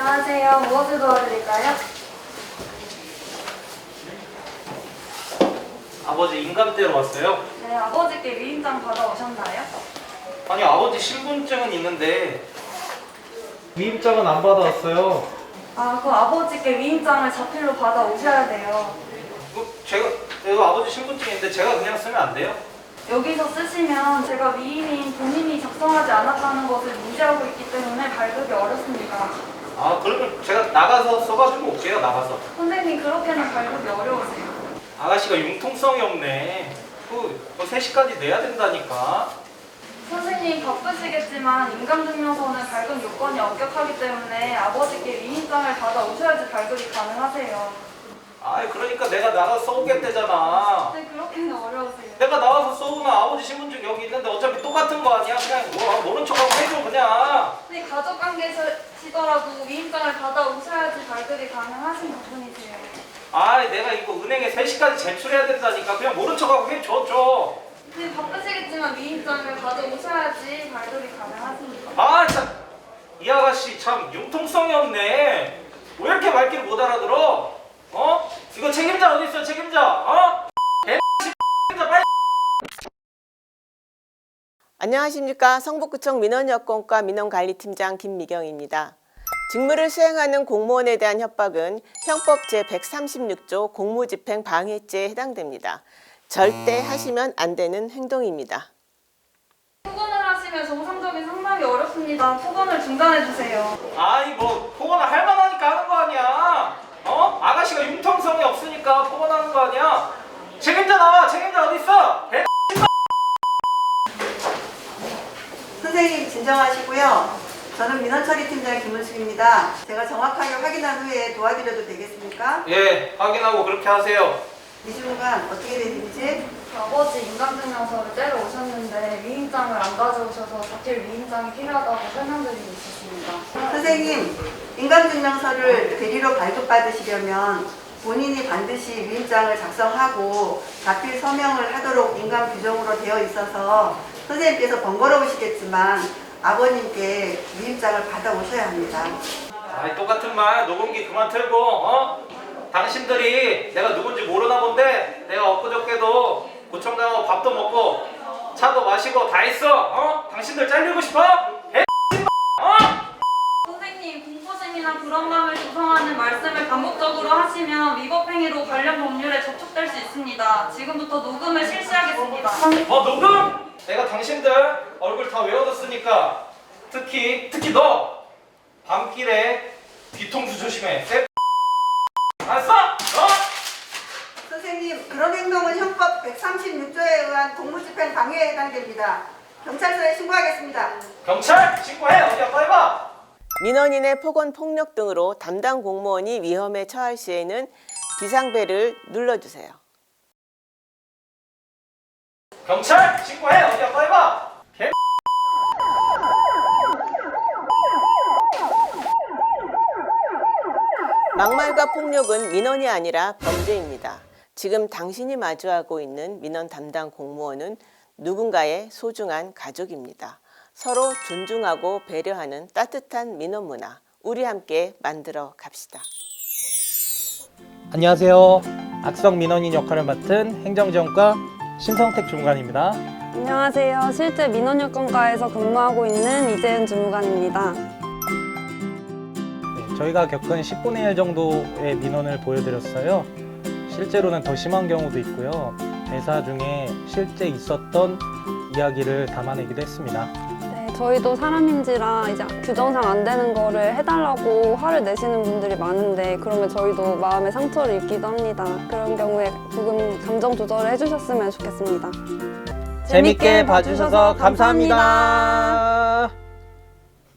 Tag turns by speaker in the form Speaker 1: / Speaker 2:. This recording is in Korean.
Speaker 1: 안녕하세요. 무엇을 도와드릴까요?
Speaker 2: 아버지 인감대로 왔어요?
Speaker 1: 네, 아버지께 위임장 받아오셨나요?
Speaker 2: 아니 아버지 신분증은 있는데 위임장은 안 받아왔어요.
Speaker 1: 그 아버지께 위임장을 자필로 받아오셔야 돼요.
Speaker 2: 제가 아버지 신분증인데 제가 그냥 쓰면 안 돼요?
Speaker 1: 여기서 쓰시면 제가 위임인 본인이 작성하지 않았다는 것을 문제하고 있기 때문에 발급이 어렵습니다.
Speaker 2: 아 그러면 제가 나가서 써가지고 올게요. 나가서.
Speaker 1: 선생님, 그렇게는 발급이 어려우세요.
Speaker 2: 아가씨가 융통성이 없네. 그 3시까지 내야 된다니까.
Speaker 1: 선생님, 바쁘시겠지만 인감증명서는 발급 요건이 엄격하기 때문에 아버지께 위임장을 받아오셔야지 발급이 가능하세요.
Speaker 2: 아이 그러니까 내가 나가서 써오겠대잖아.
Speaker 1: 네, 그렇게는 어려우세요.
Speaker 2: 내가 나와서 써오면 아버지 신분증 여기 있는데 어차피 똑같은 거 아니야? 그냥 모른 척하고 해줘 그냥.
Speaker 1: 네, 가족관계시더라도 위임장을 받아오셔야지 발급이 가능하신 부분이세요.
Speaker 2: 아이 내가 이거 은행에 3시까지 제출해야 된다니까. 그냥 모른 척하고 해줘.
Speaker 1: 네, 바쁘시겠지만 위임장을 받아오셔야지 발급이 가능하십니다.
Speaker 2: 아 참, 이 아가씨 참 융통성이 없네. 왜 이렇게 말귀를 못 알아들어? 어? 이거 책임자 어디 있어? 책임자? 어? 책임자 빨리.
Speaker 3: 안녕하십니까. 성북구청 민원여건과 민원관리팀장 김미경입니다. 직무를 수행하는 공무원에 대한 협박은 형법 제136조 공무집행 방해죄에 해당됩니다. 절대 하시면 안 되는 행동입니다.
Speaker 1: 폭언을 하시면 정상적인 상담이 어렵습니다. 폭언을 중단해주세요.
Speaker 2: 아니 뭐 폭언을 할 만하니까 하는 거 아니야. 어? 아가씨가 융통성이 없으니까 폭언하는 거 아니야. 책임자 나와. 책임자 어디 있어?
Speaker 4: 선생님 진정하시고요. 저는 민원처리팀장 김은숙입니다. 제가 정확하게 확인한 후에 도와드려도 되겠습니까?
Speaker 2: 예, 확인하고 그렇게 하세요.
Speaker 4: 이 순간 어떻게 된 일인지?
Speaker 1: 아버지 인감증명서를 떼러 오셨는데 위임장을 안 가져오셔서 자필 위임장이 필요하다고 설명드리고 있었습니다.
Speaker 4: 선생님, 인감증명서를 대리로 발급받으시려면 본인이 반드시 위임장을 작성하고 자필 서명을 하도록 인감 규정으로 되어 있어서 선생님께서 번거로우시겠지만 아버님께 위임장을 받아오셔야 합니다.
Speaker 2: 아이 똑같은 말 녹음기 그만 틀고 당신들이 내가 누군지 모르나 본데 내가 엊그저께도 구청 가고 밥도 먹고 차도 마시고 다 했어. 당신들 잘리고 싶어?
Speaker 1: 선생님, 공포심이나 불안감을 조성하는 말씀을 반복적으로 하시면 위법행위로 관련 법률에 접촉될 수 있습니다. 지금부터 녹음을 실시하겠습니다.
Speaker 2: 녹음? 내가 당신들 얼굴 다 외워뒀으니까 특히 너 밤길에 뒤통수 조심해. 알았어?
Speaker 4: 선생님, 그런 행동은 형법 136조에 의한 공무집행 방해에 해당됩니다. 경찰서에 신고하겠습니다.
Speaker 2: 경찰 신고해. 어디 한번 해봐.
Speaker 3: 민원인의 폭언, 폭력 등으로 담당 공무원이 위험에 처할 시에는 비상벨을 눌러주세요.
Speaker 2: 경찰 신고해. 어디 한번 해봐.
Speaker 3: 막말과 폭력은 민원이 아니라 범죄입니다. 지금 당신이 마주하고 있는 민원 담당 공무원은 누군가의 소중한 가족입니다. 서로 존중하고 배려하는 따뜻한 민원 문화, 우리 함께 만들어 갑시다.
Speaker 5: 안녕하세요. 악성 민원인 역할을 맡은 행정지원과 신성택 주무관입니다.
Speaker 6: 안녕하세요. 실제 민원여건과에서 근무하고 있는 이재은 주무관입니다.
Speaker 5: 저희가 겪은 10분의 1 정도의 민원을 보여드렸어요. 실제로는 더 심한 경우도 있고요. 대사 중에 실제 있었던 이야기를 담아내기도 했습니다.
Speaker 6: 네, 저희도 사람인지라 이제 규정상 안 되는 거를 해달라고 화를 내시는 분들이 많은데 그러면 저희도 마음의 상처를 입기도 합니다. 그런 경우에 조금 감정 조절을 해주셨으면 좋겠습니다.
Speaker 5: 재밌게 봐주셔서 감사합니다.